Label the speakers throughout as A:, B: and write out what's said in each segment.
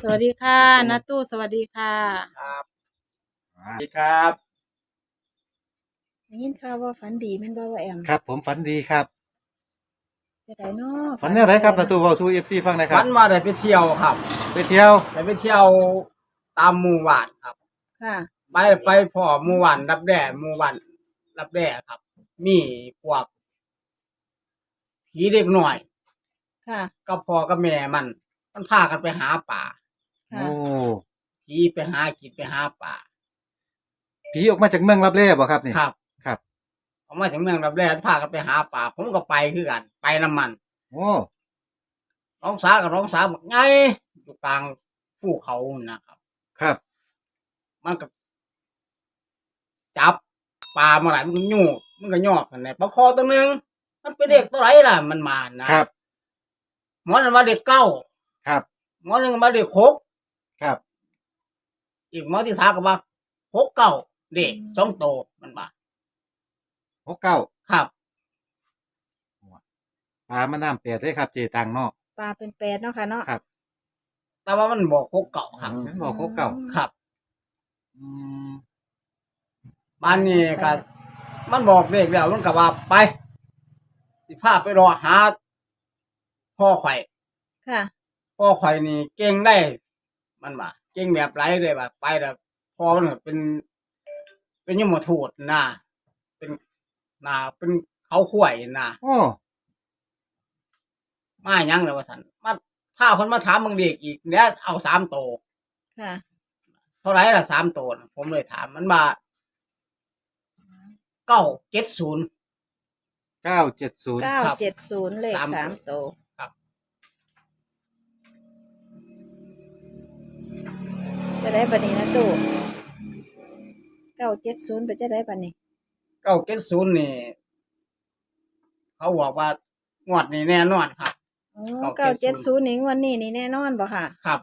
A: สวัสดีค่ะนาตู้สวัสดีค่ะ
B: ครับสวัสดีครับ
A: ได้ยินข่าวว่าฝันดีแม่นบ่ว่าแอม
C: ครับผมฝันดีครับ
A: จะได้เนาะ
C: ฝันแนวไหนครับประตูเว้าสู่ FC ฟังหน่อยครั
B: วั
C: บ
B: นมาได้ไปเที่ยวครับ
C: ไปเที่ยว
B: ได้ไปเที่ยวตามหมู่บ้านครับ
A: ค่ะ
B: ไปพ่อหมู่บ้านรับแด่หมู่บ้านรับแด่ครับ มีพวกผีเด็กหน่อย
A: ค่ะ
B: กับพ่อกับแม่มันพากันไปหาป่า
A: ค่ะ
C: โอ้
B: ผีไปหากินไปหาป่า
C: ผีออกมาจากเมืองลับแลบ่ครับนี่
B: ครับ
C: ครับ
B: ออกมาถึงเมืองรับแด่พากันไปหาป่า ผมก็ไปคือกัน ไปน้ำมัน
C: โอ้
B: น้องสาวกับน้องสาวบอกไงอยู่กลางภูเขานะครับ
C: ครับ
B: มันก็จับปลามาหลายมันก็ยูมันก็ยอกกันเนี่ยปลาคอตัวหนึ่งมันเป็นเด็กตัวไหนล่ะมันมานะครับ หมอนึงมาเด็กเก้า
C: ครับ
B: หมอนึงมาเด็กหก
C: ครับ
B: อีกหมอที่สามก็มาหกเก้าเด็กสองโตมันมา
C: 69
B: ครับ
C: ปลามาน้ำแปดเด้ครับเจตังเนาะ
A: ปลาเป็น8เนาะค่ะเนาะ
C: ครับ
B: แต่ว่ามันบอกหกเก้าครับ
C: เห็นบอก69
B: ครับ
C: อืม
B: บ้านนี้ก็มันบอกเด็กแล้วมันก็ว่าไปสิพาไปรอหาพ่อไข่
A: ค่ะ
B: พ่อไข่นี่เก่งได้ มันว่าเก่งแบบไรเลยแบบไปแบบพ่อมันก็เป็นยมทูตนะเป็นเขาข่วยนะ
C: โอ้
B: มาหยังเลยว่าสันมาพาคนมาถามมึงเด็กอีกเนี้ยเอา3 โต
A: ค่ะ
B: เท่าไหร่ละ3 โตน่ะผมเลยถามมันมา970
C: 970
A: 970เลข
B: สาม
A: 3ตัว
B: ครับ
A: จะได้บัดนี้นะตู้970ไปจะได้บัดนี้
B: 970นี่เขาบอกว่างวดนี้แน่นอนครับ
A: อ๋อ970นี่งวดนี้นี่แน่นอนบ่ค่ะ
B: ครับ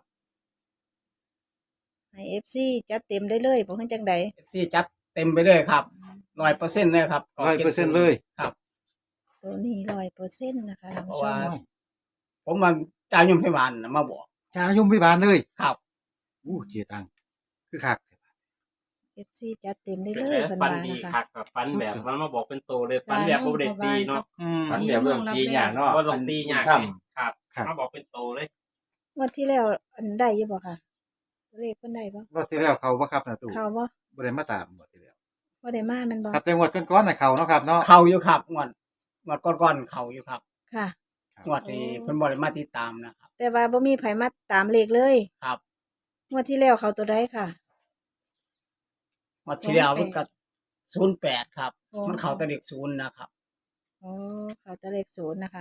A: ให้ FC จัดเต็มได้เลยบ่เฮ็ดจังได๋
B: ที่จัดเต็มไปเลยครับ100%เลยครับ
C: 100%เลย
B: ครับ
A: ตัวนี้100%นะคะท่าน
B: เพ
A: ผู้
B: ราะ
A: ช
B: ว่าม ผมมันจ่ายยมพิบาลน่ะมาบอก
C: จ้ายมพิบาลเลย
B: ครับ
C: อู้เจตังคือคัก
A: FC จัดเต็มได้
D: เป็น
A: เลย
D: ไง
A: เพิ่น
D: ฟัน
A: ว่า
D: ดี
A: นะคะ
D: คักกับฟันแบบมันมาบอกเป็นโตเลยฟันแบบบ่ได้ตีเนาะ
C: อืม
E: ฝันแบบเรื่องตีอย่างเนาะ
D: บ่ต้องตียาก
E: ท
D: เลยครับ
C: ครับ
D: มาบอกเป็นโตเลย
A: งวดที่แล้วอันได้อยู่บ่ค่ะเลขเพิ่นได้บ่
C: รอบที่แล้วเขาบ่ครับนะตู่
A: เข้าบ่
C: บ่ได้มาตามงวดที่แล้ว
A: บ่ได้มาแม่นบ่
C: ครับแต่งวดก่อนๆน่ะเขาเนาะครับเนาะ
B: เขาอยู่ครับงวดก้อนๆเขาอยู่ครับ
A: ค่ะ
B: งวดนี้เพิ่นบ่ได้มาติดตามนะครับ
A: แต่ว่าบ่มีไผมาตามเลขเลย
B: ครับ
A: งวดที่แล้วเขาตัวใดค่ะ
B: งวดที่แล้วมันก็08ครับ
A: อ๋อ
B: มันเข้าแต่เด็ก0นะครับ
A: อ๋อเขาตัวเลข0นะคะ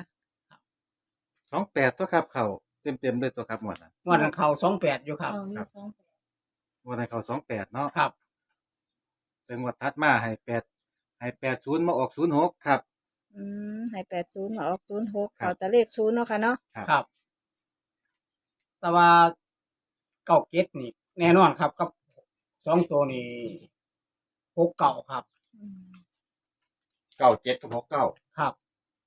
C: 28ตัวครับเขาเต็มๆเลยตัวครับงวดนั้น
B: งวดนั้นเข้า28อยู่ครับ
A: เอาอยู่สอง
C: งวดนั้นเขา28เนาะ
B: ครับ
C: แต่งวดถัดมาให้80มาออก06ครับ
A: ให้80มาออก06
C: ครับ
A: เขาตัวเลข0เนาะค่ะเนาะ
B: ครับ แต่ว่า97นี่แน่นอนครับกับ2 ตัวนี่69ครับ
E: ำ97กับ69
B: ครับ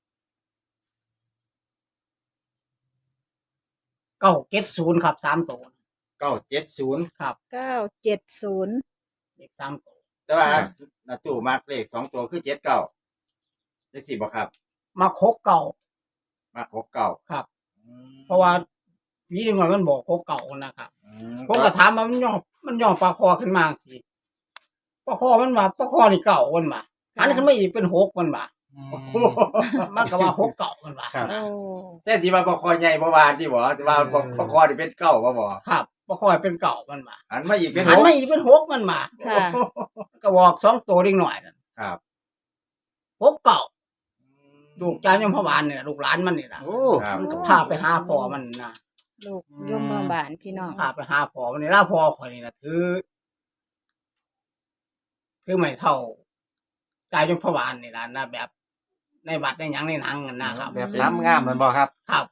B: 970ครับ3 ตัว
E: 970
B: ครับ
A: 970
B: เลข3 ตัว
E: แต่ว่า
A: ค่ะ
E: นาตู้มาร์กเลข2ตัวคือ79ได้สิบ่ครับ
B: มา69
E: มาร์ก69
B: ครับ เพราะว่าผีเด็กน้อยมันบอก69นะครับ
E: อืม
B: ผมก็ถามว่ามันย่อปลาคอขึ้นมาสิปลาคอมันว่าปลาคอนี่เก่ามันมาหันขึ้นมาอีกเป็น6มันมามันก็ว่า6 9มันมา
C: ครับ
A: โอ้
E: แต่ที่ว่าบ่คอใหญ่บ่ว่าที่บ่ที่ว่าบ่คอนี่เป็นเก้าบ่บ่
B: ครับปลาคอเป็นเก่ามันมา
E: หันมาอีกเป็น
B: หัน
E: หก
B: มาอีกเป็น6มันมา
A: ค่ะ
B: ก็บอก2 ตัวเด็กน้อยนั่น
E: ครับ
B: 6 9ลูกจ้ายมพบาลเนี่ยลูกหลานมันนี่ล่ะ
C: โอ้
E: ครับ
B: มันก็พาไปหาพ่อมันนะ
A: ลูกยมบาลพี่น้อง
B: พาไปหาพ่อมันนี่ล่ะพ่อข่อยนี่น่ะถือไม่เท่าจ้ายมพบาลนี่ล่ะนะแบบในบัตรในหยังในหนังนั่นนะครับ
C: แบบซ้ำงามนั่นบ่ครับ
B: ครับ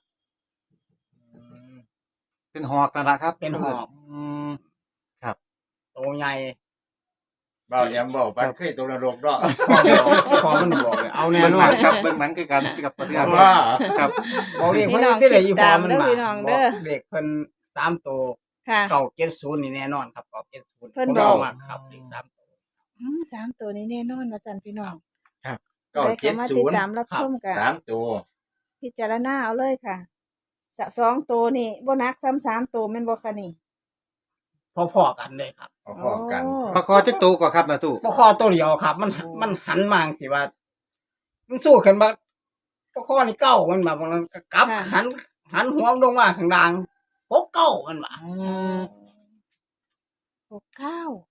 C: เป็นหอกนั่นล่ะครับ
B: เป็นหอก
C: อืม
B: โตใหญ่
E: เบาแหลมบอกมันเคยตกนรกเนาะ
B: พอมันบอกเลยเอาแน่
C: เบิ่ง
B: น
C: ห
B: อ
C: นั
B: น
C: งครับเบิ่งหนังคือกันกับประเทศ
E: ว่า
C: ครับ
B: บอกเด็กเพิ่นที่ไหนอีพอมันมา
A: พี่น้อง
B: บ
A: เด้
B: อ
A: อก
B: เด็กเพิ่น3 ตัว
A: ค่ะ
B: เก้าเจ็ดศูนย์นี่แน่นอนครับเก้าเจ็ดศูนย์
A: เพิ่น
B: ผม
A: บอก
B: มากครับเลข3 ตัว
A: 3 ตัวนี้แน่นอนว่าซั่นพี่น้อง
E: ก็
A: ได้เข้ามาติดตามรับชมกัน
E: 3 ตัว
A: พิจารณาเอาเลยค่ะสองตัวนี่บ่หนักซ้ำ3ตัวแม่นบ่คะนี่
B: พอๆกันเลยครับ
E: พร้อมๆกัน
C: ปลาคอจักตัวก็ครับนะตู้
B: ปลาคอตัวเดียวครับ มันหันมาสิว่า มันสู้ขึ้นมาปลาคอนี่เก้ามันแบบมันก็กลับหันหัวมันลงมาข้างล่างพกเก้ามันมา
A: 69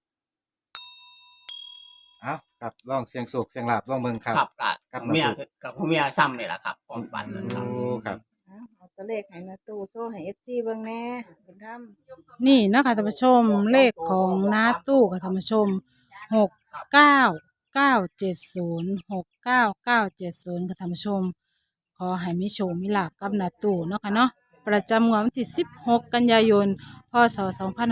C: เอ้าครับลองเสียงโศกเสียงลาบลองเบิ่งครับ
B: ครับ
C: ครับ
B: เมียกับผู้เมียซ้ำนี่แหละครับความฝันนั่นครับ
C: โอ้ครับ
A: เอาตัวเลขให้นาตู้โซ่ให้ FC เบิ่งแหน่คุณทำ
F: นี่เนาะคะท่านผู้ชมเลขของน้าตู้ค่ะท่านผู้ชม69970 ค่ะท่านผู้ชม ขอให้มีโชคมีลาภกับนาตู้เนาะค่ะเนาะประจำงวดวันที่16 กันยายน พศ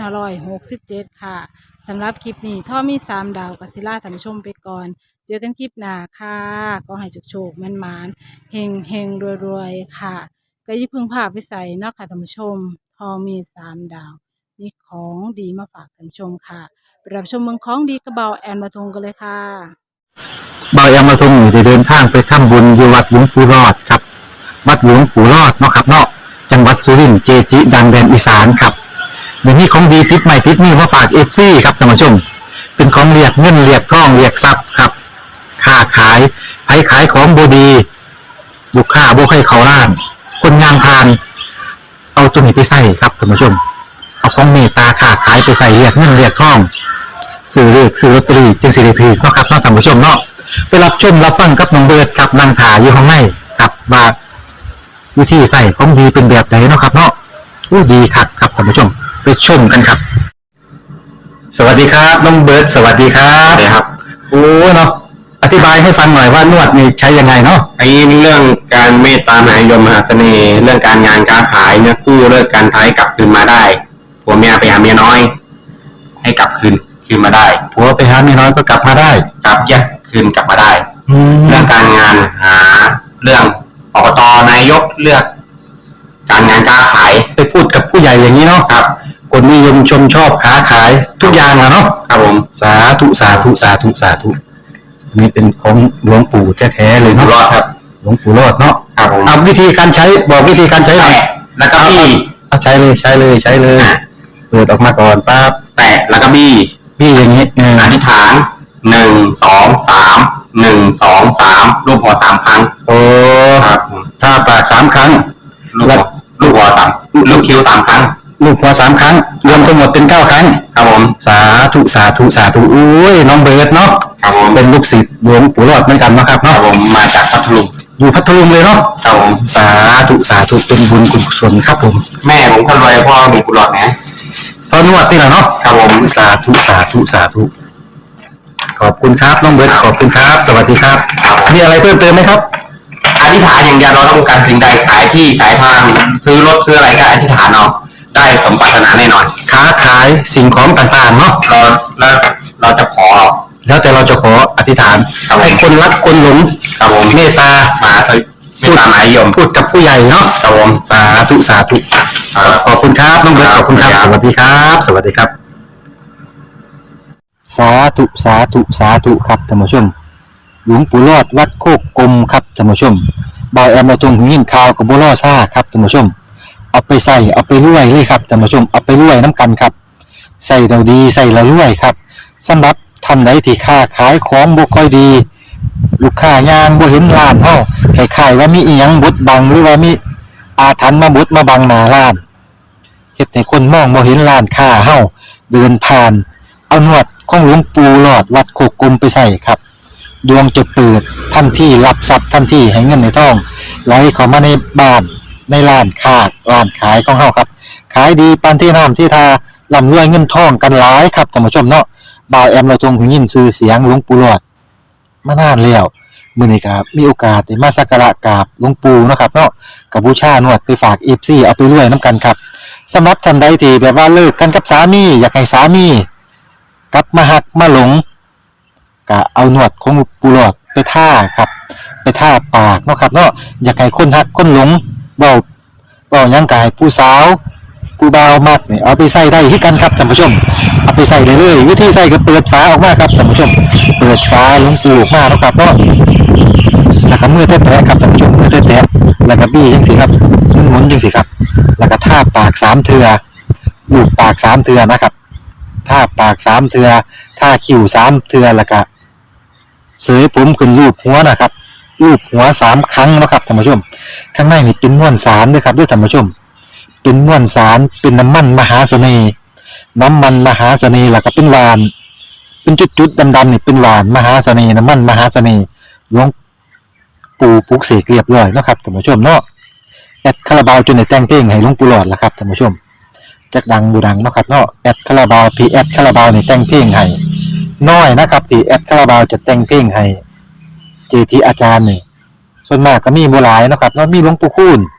F: 2567 ค่ะสำหรับคลิปนี้ท่อมี3 ดาวกัสิล่าท่านผู้ชมไปก่อน เจอกันคลิปหน้าค่ะก็ให้โชคๆแม่นๆเฮงๆรวยๆค่ะ ก็อยิ่าเพึ่งพาไปใส่เนาะค่ะท่านผู้ชมทอมี3 ดาว มีของดีมาฝากท่านผู้ชมค่ะไปรับชมเมืองของดีกระเบาแอนมาทงกันเลยค่ะ
G: บายามาทรงอยู่ได้เดินทางไปทำบุญอยู่วัดหลวงปู่รอดครับ วัดหลวงปู่รอดเนาะครับเนาะจังหวัดสุรินทร์เจจิดังแดนอีสานครับเดี๋ยวนี้ของดีติดใหม่ติดนี่มาฝากFCครับท่านผู้ชม เป็นของเรียกเงินเรียกทองเรียกทรัพย์ครับค้าขายไผขายของบดีลูกค้าบ่ให้เขาล้าน คนงานพาน เอาตัวนี้ไปใส่ครับท่านผู้ชม เอาของเมตตาค้าขายไปใส่เรียกเงินเรียกทองซื้อเลขซื้อลอตเตอรี่จึงสิริพีเนาะครับเนาะท่านผู้ชมเนาะไปรับชมรับฟังกับน้องเบิร์ดกับนางถาอยู่ข้างในกับว่าวิธีใส่ของดีเป็นแบบไหนเนาะครับเนาะอู้ดีครับครับท่านผู้ชมไปชมกันครับ สวัสดีครับน้องเบิร์ดสวัสดีครับสวัสดีครับโอ้เนาะอธิบายให้ฟังหน่อยว่านวดนี่ใช้ยังไงเนาะ
H: ไอ้เรื่องการเมตตามหานิยมมหาเสน่ห์เรื่องการงานการขายเนี่ยกู้เลิกการท้ายกลับคืนมาได้ผัวเมียไปหาเมียน้อย ให้กลับคืนมาได้
G: ผัวไปหาเมียน้อยก็กลับมาได้
H: กลับแยกคืนกลับมาได้
G: แล้
H: เรื่
G: ว
H: องการงานหาเรื่องอบตนายกเลือก การงานการขาย
G: ไปพูดกับผู้ใหญ่อย่างนี้เนาะ
H: ครับ
G: คนนิยมชมชอบค้าขายทุกอย่างอะเนาะ
H: ครับผม
G: สาธุสาธุสาธุสาธุอันนี้เป็นของหลวงปู่แท้ๆเลย
H: อยู่
G: เนาะ
H: รอดครับ
G: หลวงปู่รอดเนาะ
H: ครับผม
G: เอาวิธีการใช้บอกวิธีการใช้หน่อย
H: แตะแล้วก็บี้
G: เอาใช้เลยใช้เลยใช้เลยเปิดออกมาก่อนปั๊บ
H: แตะแล้วก็บี้
G: พี่อย่างนี้
H: อธิษฐาน1 2 3 1 2 3รูปหัว3ครั้ง
G: โอ้
H: ครับผม
G: ถ้าปาก3 ครั้ง
H: ลูกหัวสามลูกคิ้ว3 ครั้ง
G: ลูกหัว3 ครั้ง รวมทั้งหมดเป็น9 ครั้ง
H: ครับผม
G: สาธุสาธุสาธุอุ้ยน้องเบิร์ดเนาะ
H: ครับผม
G: เป็นลูกศิษย์หลวงปู่รอดเหมือนกันเนาะครับ
H: ครั
G: เนาะ
H: บผมมาจากพัทลุง
G: อยู่พัทลุงเลยเนาะ
H: ครับผม
G: สาธุสาธุเป็นบุญกุศลครับผม
H: แม่ผมคนรวยพ่อมีกุหลาบนะ
G: ตอนนวดนี่แหละเนาะ
H: ครับผม
G: สาธุสาธุสาธุขอบคุณครับน้องเบิร์ตขอบคุณครับ สวัสดีครับมีอะไรเพิ่มเติมไหมครับ
H: อธิษฐานอย่างเดียวเราต้องการสิ่งใดขายที่ขายทางซื้อรถซื้ออะไรก็อธิษฐานเอาได้สมปรารถนาแน่นอน
G: ค้าขายสิ่งของต่างๆเนาะ
H: เราจะขอ
G: แล้วแต่เราจะขออธิษฐานให้คนรักคนหลง
H: ครับผม
G: เมตตา
H: มาไม่ตามหมายยม
G: พูดกับผู้ใหญ่เนาะ
H: ครับผม
G: สาธุสาธุขอบคุณครับน้องเบิร์ตขอบคุณครับ สวัสดีครับ สวัสดีครับ สาธุสาธุสาธุครับท่านผู้ชม หลวงปู่รอดวัดโคกกลมครับท่านผู้ชมบอยแอมมาตรงหูยินข่าวกับบัวล่อซ่าครับท่านผู้ชม เอาไปใส่เอาไปรวยเลยครับท่านผู้ชมเอาไปรวยน้ำกันครับใส่เราดีใส่เรารวยครับสำหรับท่านใดที่ค้าขายของบ่ค่อยดี ลูกค้ายางบ่เห็นร้านเฮาคล้ายๆว่ามีอีหยังบดบังหรือว่ามีอาถรรพ์มาบดมาบังหน้าร้านเฮ็ดให้คนมองบ่เห็นร้านค้าเฮาเดินผ่าน เอาหนวดของหลวงปู่หลอดวัดโคกกลมไปใส่ครับดวงจะเปิดทันทีรับทรัพย์ทันทีให้เงินในทองไหลเข้ามาในบ้านในร้านค้าร้านขายของเฮาครับขายดีปานที่น้ำที่ทาร่ำรวยเงินทองกันหลายครับท่านผู้ชมเนาะบ่าวแอมเราทรงหูยินชื่อเสียงหลวงปู่หลอดมานานแล้วมื้อนี้ครับมีโอกาสได้มาสักการะกราบหลวงปู่เนาะครับเนาะกับบูชาหนวดไปฝาก FC เอาไปรวยนํกันครับสำหรับท่านใดที่แบบว่าเลิกกันกับสามีอยากให้สามีกลับมาหักมาหลงก็เอาหนวดของหลวงปู่หลอดไปท่าครับไปท่าปากเนาะครับเนาะอยากให้คนหักคนหลงเว้าหยังกายผู้สาวผู้บ่าวมักนี่เอาไปใส่ได้คือกันครับท่านผู้ชมเอาไปใส่เลยวิธีใส่ก็เปิดฝาออกมาครับท่านผู้ชมเปิดฝาหลวงปู่ออกมาแล้วครับเนาะแล้วก็มือแตะๆครับท่านผู้ชมมือแตะๆแล้วก็บี้จังซี่ครับหมุนจังซี่ครับแล้วก็ทาปาก3เทื่อลูบปาก3เทื่อนะครับทาปาก3เทื่อทาคิ้ว3เทื่อแล้วก็เสยผมขึ้นรูปหัวนะครับรูปหัว3ครั้งนะครับท่านผู้ชมข้างในนี่เป็นมวลสารด้วยครับด้วยท่านผู้ชมเป็นมวลสารเป็นน้ำมันมหาเสน่ห์น้ำมันมหาเสน่ห์แล้วก็เป็นหวานเป็นจุดๆดำๆนี่เป็นหวานมหาเสน่ห์น้ำมันมหาเสน่ห์หลวงปู่ปลุกเสกเรียบร้อยนะครับท่านผู้ชมเนาะแอดคาราบาวจนได้แต่งเพลงให้หลวงปู่หลอดแล้วครับท่านผู้ชมจักดังบูดังเนาะครับเนาะแอดคาราบาวพีแอดคาราบาวนี่แต่งเพลงให้น้อยนะครับที่แอดคาราบาวจะแต่งเพลงให้เจทีอาจารย์นี่ส่วนมากก็มีบ่หลายนะครับเนาะมีหลวงปู่คูณ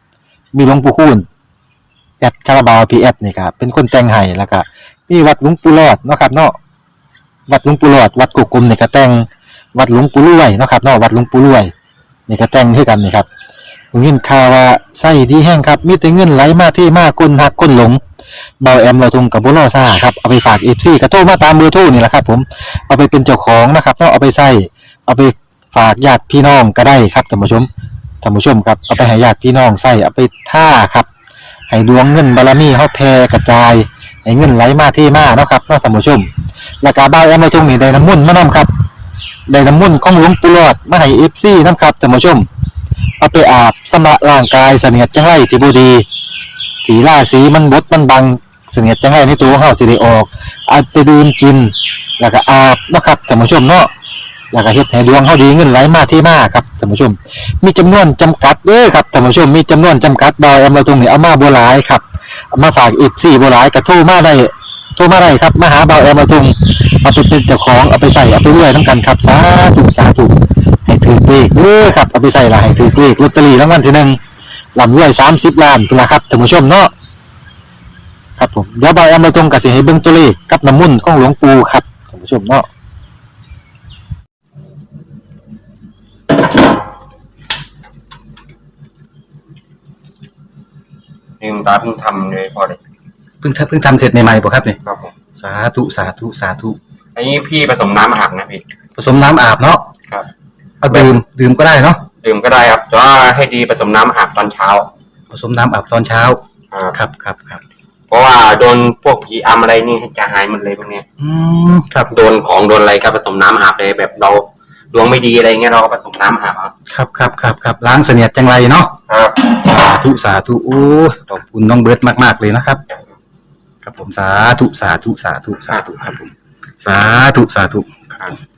G: แอดคาราบาวพีแอดนี่ครับเป็นคนแต่งให้แล้วก็มีวัดหลวงปู่หลอดเนาะครับเนาะวัดหลวงปู่หลอดวัดกุกกลมนี่ก็แต่งวัดหลวงปู่รวยเนาะครับเนาะวัดหลวงปู่รวยนี่ก็แต่งคือกันนี่ครับผมยินข่าวว่าไส้ดีแห้งครับมีแต่เงินไหลมาที่มาคนหักคนหลงเบาแอมเราทงกับบ่ล่อซ่าครับเอาไปฝาก FC ก็โทรมาตามเบอร์โทรนี่แหละครับผมเอาไปเป็นเจ้าของนะครับเนาะเอาไปใส่เอาไปฝากญาติพี่น้องก็ได้ครับท่านผู้ชมครับเอาไปให้ญาติพี่น้องใส่เอาไปท่าครับให้ดวงเงินบารมีเฮาแผ่กระจายให้เงินไหลมาที่มาเนาะครับเนาะท่านผู้ชมแล้วก็เบาแอมเราทงนี่ได้น้ำมนต์มานํครับได้น้ำมนต์ของหลวงปู่หลอดมาให้ FC นำครับท่านผู้ชมเอาไปอาบสำระร่างกายเสนียดจังไรที่บ่ดีสีล่าสีมันบดมันบังเสนียดจังไรในตัวของเฮาสิได้ออกเอาไปดื่มกินแล้วก็อาบเนาะครับท่านผู้ชมเนาะแล้วก็เฮ็ดให้ดวงเฮาดีเงินไหลมาที่มาครับท่านผู้ชมมีจำนวนจำกัดเด้อครับท่านผู้ชมมีจำนวนจำกัดดอยเอามาตรงนี้เอามาบ่หลายครับเอามาฝากอีก4บ่หลายก็โทรมาได้ครับมาหาเบาแอมมาตรงเอาไปเป็นเจ้าของเอาไปใส่เอาไปรวยนำกันครับสาธุให้ถือเลขเด้อครับเอาไปใส่ละให้ถือเลขลอตเตอรี่รางวัลที่1ลำรวย30ล้านพุ่นล่ะครับท่านผู้ชมเนาะครับผมเดี๋ยวเบาแอมมาตรงก็สิให้เบิ่งตัวเลขกับน้ำมนต์ของหลวงปู่ครับท่านผู้ชมเนาะ
H: ลืมตาเพิ่งทำเลยพอเลย
G: เพิ่งทำเสร็จใหม่ๆป่ะครับเนี่ย
H: ครับผม
G: สาธุ
H: อันนี้พี่ผสมน้ำอาบนะพี่
G: ผสมน้ำอาบเนาะ
H: ครับ
G: เอาดื่มก็ได้เนาะ
H: ดื่มก็ได้ครับแต่ว่าให้ดีผสมน้ำอาบตอนเช้า
G: ผสมน้ำอาบตอนเช้าครับ
H: เพราะว่าโดนพวกผีอำอะไรนี่จะหายหมดเลยพวกเนี้ย
G: ครับ
H: โดนของโดนอะไรก็ผสมน้ำอาบเลยแบบเราดวงไม่ดีอะไรเงี้ยเราก็ผสมน้ำอาบ
G: ครับล้างเสนียดจังไรเนาะ
H: ครับ
G: สาธุโอ้ขอบคุณน้องเบิร์ตมากๆเลยนะครับครับผมสาธุครับผมสาธุ